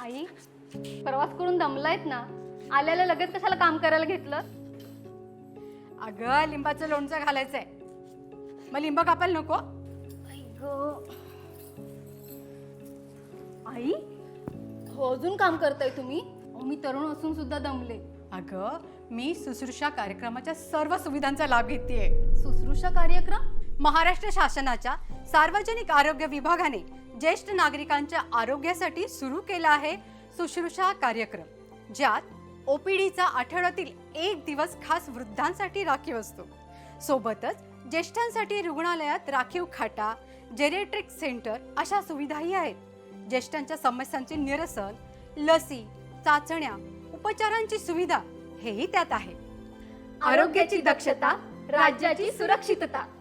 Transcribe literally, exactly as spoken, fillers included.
आई, प्रवास करून दमलायत ना, आल्याला लगेच कशाला काम करायला घेतलं? अगं लिंबाचं लोणचं घालायचंय, मग लिंब कापायला नको? आई, हो अजून काम करताय तुम्ही? अहो, मी तरुण असून सुद्धा दमले. अगं मी शुश्रूषा कार्यक्रमाच्या सर्व सुविधांचा लाभ घेतेय. शुश्रूषा कार्यक्रम? महाराष्ट्र शासनाच्या सार्वजनिक आरोग्य विभागाने ज्येष्ठ नागरिकांच्या आरोग्यासाठी सुरू केला आहे शुश्रूषा कार्यक्रम, ज्यात ओपीडीचा आठवड्यातील एक दिवस खास वृद्धांसाठी राखीव असतो. सोबतच ज्येष्ठांसाठी रुग्णालयात राखीव खाटा, जेरिएट्रिक सेंटर अशा सुविधाही आहेत. ज्येष्ठांच्या समस्यांचे निरसन, लसी, चाचण्या, उपचारांची सुविधा हेही त्यात आहे. आरोग्याची दक्षता, राज्याची सुरक्षितता.